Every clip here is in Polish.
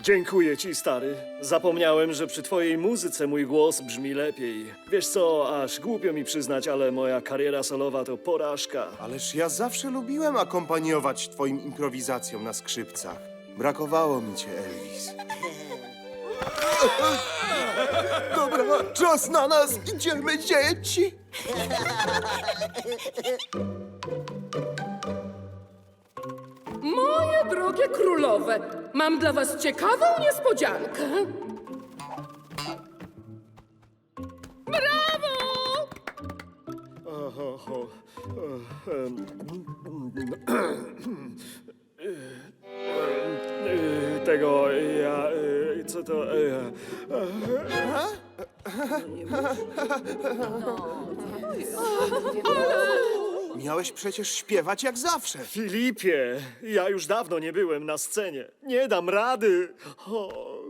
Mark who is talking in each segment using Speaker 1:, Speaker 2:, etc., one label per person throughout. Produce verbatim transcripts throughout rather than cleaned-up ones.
Speaker 1: Dziękuję ci, stary. Zapomniałem, że przy twojej muzyce mój głos brzmi lepiej. Wiesz co, aż głupio mi przyznać, ale moja kariera solowa to porażka.
Speaker 2: Ależ ja zawsze lubiłem akompaniować twoim improwizacjom na skrzypcach. Brakowało mi cię, Elvis. Dobra, czas na nas! Idziemy, dzieci!
Speaker 3: Moje drogie królowe, mam dla was ciekawą niespodziankę. Brawo!
Speaker 1: Oho, ho. Ehm, e, Tego, ja... e, Co to... e,
Speaker 2: Miałeś przecież śpiewać jak zawsze.
Speaker 1: Filipie, ja już dawno nie byłem na scenie. Nie dam rady. O.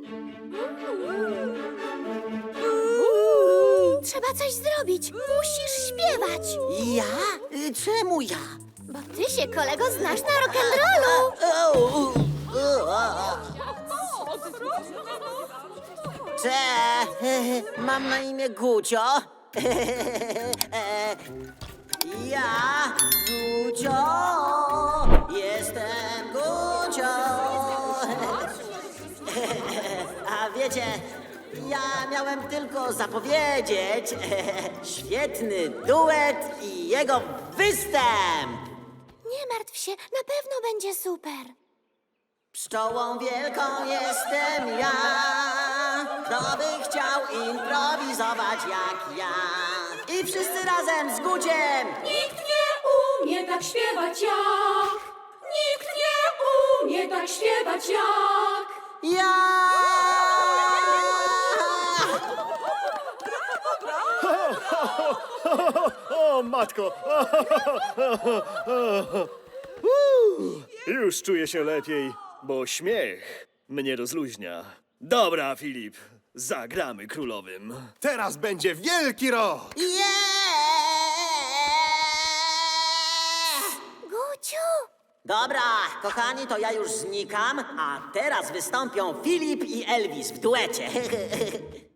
Speaker 4: Trzeba coś zrobić. Musisz śpiewać.
Speaker 5: Ja? Y, Czemu ja?
Speaker 4: Bo ty się, kolego, znasz na rock'n'rollu.
Speaker 5: Cze, mam na imię Gucio. Ja, Gucio, jestem Gucio. A wiecie, ja miałem tylko zapowiedzieć świetny duet i jego występ.
Speaker 4: Nie martw się, na pewno będzie super.
Speaker 5: Pszczołą wielką jestem ja. Kto by chciał improwizować jak ja? I wszyscy razem z Guciem.
Speaker 6: Nikt nie umie tak śpiewać jak. Nikt nie umie tak śpiewać jak.
Speaker 5: Ja!
Speaker 1: O, matko! Już czuję się lepiej, bo śmiech mnie rozluźnia. Dobra, Filip, zagramy królowym.
Speaker 2: Teraz będzie wielki rok!
Speaker 5: Yeah!
Speaker 4: Guciu!
Speaker 5: Dobra, kochani, to ja już znikam, a teraz wystąpią Filip i Elvis w duecie.